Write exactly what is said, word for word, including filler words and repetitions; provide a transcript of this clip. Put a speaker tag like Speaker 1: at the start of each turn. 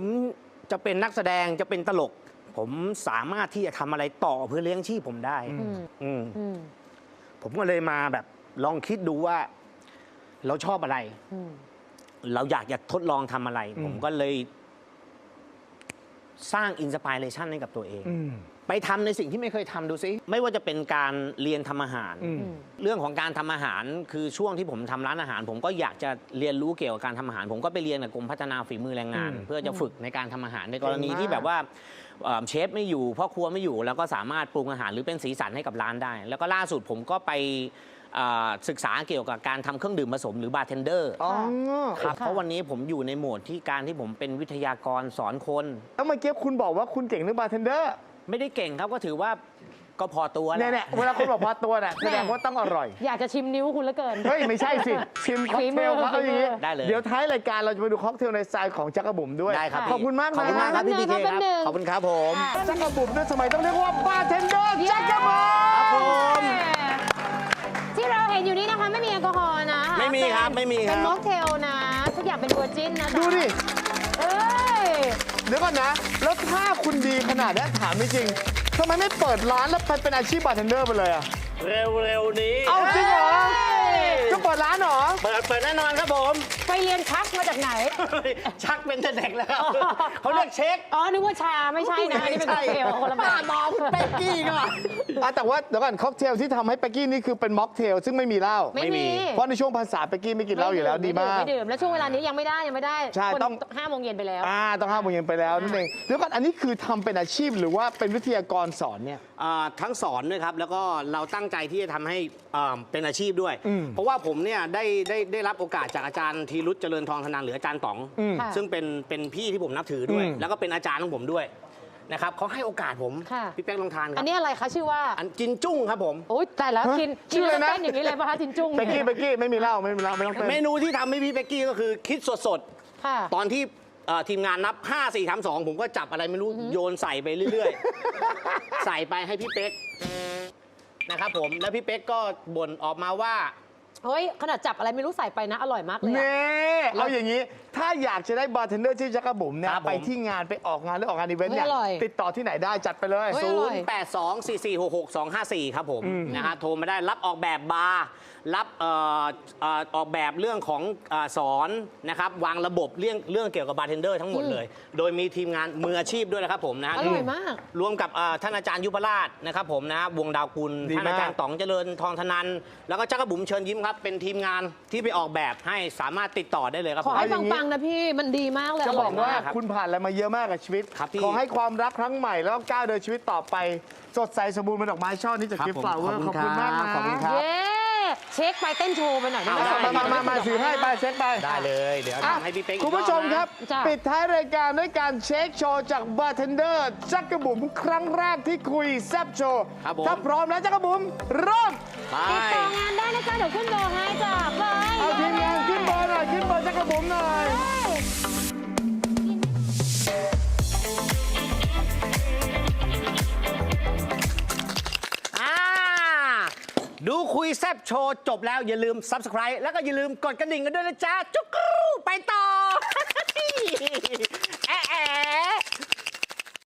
Speaker 1: จะเป็นนักแสดงจะเป็นตลกผมสามารถที่จะทำอะไรต่อเพื่อเลี้ยงชีพผมได้อืมผมก็เลยมาแบบลองคิดดูว่าเราชอบอะไรเราอยากจะทดลองทำอะไรผมก็เลยสร้างอินสปิเรชันให้กับตัวเองไปทำในสิ่งที่ไม่เคยทำดูซิไม่ว่าจะเป็นการเรียนทำอาหารเรื่องของการทำอาหารคือช่วงที่ผมทำร้านอาหาร ผมก็อยากจะเรียนรู้เกี่ยวกับการทำอาหาร ผมก็ไปเรียนกับกรมพัฒนาฝีมือแรงงาน เพื่อจะฝึกในการทำอาหารในกรณีที่แบบว่าเชฟไม่อยู่พ่อครัวไม่อยู่แล้วก็สามารถปรุงอาหารหรือเป็นสีสันให้กับร้านได้ แล้วก็ล่าสุดผมก็ไปศึกษาเกี่ยวกับการทำเครื่องดื่มผสมหรือบาร์เทนเดอร์ครับเพราะวันนี้ผมอยู่ในโหมดที่การที่ผมเป็นวิทยากรสอนคน
Speaker 2: แล้วเมื่อกี้คุณบอกว่าคุณเก่งเรื่องบาร์เทนเดอร์
Speaker 1: ไม่ได้เก่งครับก็ถือว่าก็พอตัวแหละ
Speaker 2: เนี่ยเวลาคุณบอกพอตัวน่ะแสดงว่าต้องอร่อย
Speaker 3: อยากจะชิมนิ้วคุณเหลือเกิน
Speaker 2: เฮ้ยไม่ใช่สิชิมค็อกเทลเขาอย่างนี้
Speaker 1: ได้เลย
Speaker 2: เดี๋ยวท้ายรายการเราจะไปดูค็อกเทลในสไตล์ของจักรบุ๋มด้วย
Speaker 1: ได้ครับ
Speaker 2: ขอบคุณมากนะ
Speaker 1: ขอบคุณมากครับพี่พีเคครับขอบคุณครับผม
Speaker 2: จักรบุ๋มเนี่ยสมัยต้องเรียกว่าบาร์เทนเดอร์จักรบุ๋ม
Speaker 1: ครับผม
Speaker 3: ที่เราเห็นอยู่นี้นะคะไม่มีแอลกอฮอล์นะ
Speaker 1: ไม่มีครับไม่มีครับ
Speaker 3: เป็นม็อกเทลนะทุกอย่างเป็นเวอร์จินนะ
Speaker 2: ดูดิ
Speaker 3: เอ้ย
Speaker 2: เดี๋ยวก่อนนะแล้วถ้าคุณดีขนาดนี้ถามจริงทำไมไม่เปิดร้านแล้วไปเป็นอาชีพบาร์เทนเดอร์ไปเลยอะ
Speaker 1: เร็วๆนี้
Speaker 2: เอาจริงเหรอจะเปิดร้านเหรอ
Speaker 1: เปิดเปิดแน่นอนครับผม
Speaker 3: ไปเรียนชักมาจากไหน
Speaker 1: ชักเป็นแต่เด็กแล้วเขาเรียกเช็ค
Speaker 3: อ๋อนึกว่าชาไม่ใช่นะนี่เป็นค็อกเทลคนละแบบ
Speaker 1: มองเป๊กกี้ก่อน
Speaker 2: แต่ว่าเดี๋ยวก่อนค็อกเทลที่ทำให้เป๊กกี้นี่คือเป็นม็อกเทลซึ่งไม่มีเหล้า
Speaker 3: ไม่มี
Speaker 2: เพราะในช่วงภาษาเป๊กกี้ไม่กินเหล้าอยู่แล้วดีมาก
Speaker 3: ไม่ดื่มแล้วช่วงเวลานี้ยังไม่ได้ยังไม่ได้
Speaker 2: ใช่ต้อง
Speaker 3: ห้าโมงเย็นไปแล้ว
Speaker 2: อ่าต้องห้าโมงเย็นไปแล้วนั่นเองเดี๋ยวก่อนอันนี้คือทำเป็นอาชีพหรือว่าเป็นวิทยากรสอนเนี่ย
Speaker 1: ทั้งสอนด้วยครับแล้วก็เราตั้งใจที่จะทำให้เป็นอาชีพด้วยเพราะว่าผมเนี่ยได้ได้ได้รับโอกาสจากอาจารย์ธีรุจน์เจริญทองธนันหรืออาจารย์ต๋องซึ่งเป็นเป็นพี่ที่ผมนับถือด้วยแล้วก็เป็นอาจารย์ของผมด้วยนะครับเขาให้โอกาสผมพี่แป๊กลองทานครับ
Speaker 3: อันนี้อะไรคะชื่อว่า
Speaker 1: อันจินจุ้งครับผม
Speaker 3: โอ้ยแต่แล้วกินกินแล้วเต้นอย่างนี้เลยป่ะคะจินจุ้ง
Speaker 2: เป๊กกี้เป๊กกี้ไม่มีเหล้าไม่มีเหล้าไม่ต้องเต้น
Speaker 1: เมนูที่ทำให้พี่เป๊กกี้ก็คือคิดสดๆตอนที่ทีมงานนับห้า สี่ สาม สองผมก็จับอะไรไม่รู้โยนใส่ไปเรื่อยๆใส่ไปให้พี่เป๊กนะครับผมแล้วพี่เป๊กก็บ่นออกมาว่า
Speaker 3: เฮ้ยขนาดจับอะไรไม่รู้ใส่ไปนะอร่อยมากเลย
Speaker 2: เน่เอาอย่างนี้ถ้าอยากจะได้บาร์เทนเดอร์ที่จักรบุ๋มเนี่ยไปที่งานไปออกงานหรือออกงานอีเวนต์เนี่ยติดต่อที่ไหนได้จัดไปเลย
Speaker 1: ศูนย์ แปด สอง สี่ สี่ หก หก สอง ห้า สี่ครับผมนะฮะโทรมาได้รับออกแบบบาร์รับออกแบบเรื่องของสอนนะครับวางระบบเรื่องเรื่องเกี่ยวกับบาร์เทนเดอร์ทั้งหมดเลยโดยมีทีมงานมืออาชีพด้วยนะครับผมนะ
Speaker 3: อร่อยมาก
Speaker 1: รวมกับท่านอาจารย์ยุพราชนะครับผมนะวงดาวกุลท่านอาจารย์ต๋องเจริญทองธนันแล้วก็จักรบุ๋มเชิญยิ้มครับเป็นทีมงานที่ไปออกแบบให้สามารถติดต่อได้เลยครับ
Speaker 3: ขอให้ปังๆนะพี่มันดีมากเลย
Speaker 2: จะบอกว่าคุณผ่านอะไรมาเยอะมากกับชีวิตขอให้ความรักครั้งใหม่แล้วก้าวเดินชีวิตต่อไปสดใสสมบูรณ์เป็นดอกไม้ช่อนี้จากกิฟต์ฟลาวเวอร์ขอบคุณมากนะ
Speaker 1: ขอบคุณครับ
Speaker 3: เช็คไปเต้นโชว์ไปหน่อยได้ไหม
Speaker 2: มามามาถือให้ไปเช็คไป
Speaker 1: ได้เลยเดี๋ยวทำให้พี่เป๊ก
Speaker 2: คุณผู้ชมครับปิดท้ายรายการด้วยการเช็คโชว์จากบาร์เทนเดอร์จักรบุ๋มครั้งแรกที่คุยแซบโชว์ถ้าพร้อมแล้วจักรบุ๋มเริ่ม
Speaker 3: ติดต่องานได้นะจ๊ะเดี๋ยวขึ้นเบอร์ให้จ้ะไป
Speaker 2: เอาทีมงานขึ้นเบอร์หน่อยขึ้นเบอร์จักรบุ๋มหน่อย
Speaker 1: ดูคุยแซบโชว์จบแล้วอย่าลืม ซับสไครบ์ แล้วก็อย่าลืมกดกระดิ่งกันด้วยนะจ๊ะ จุ๊กรูไปต่อ แอะ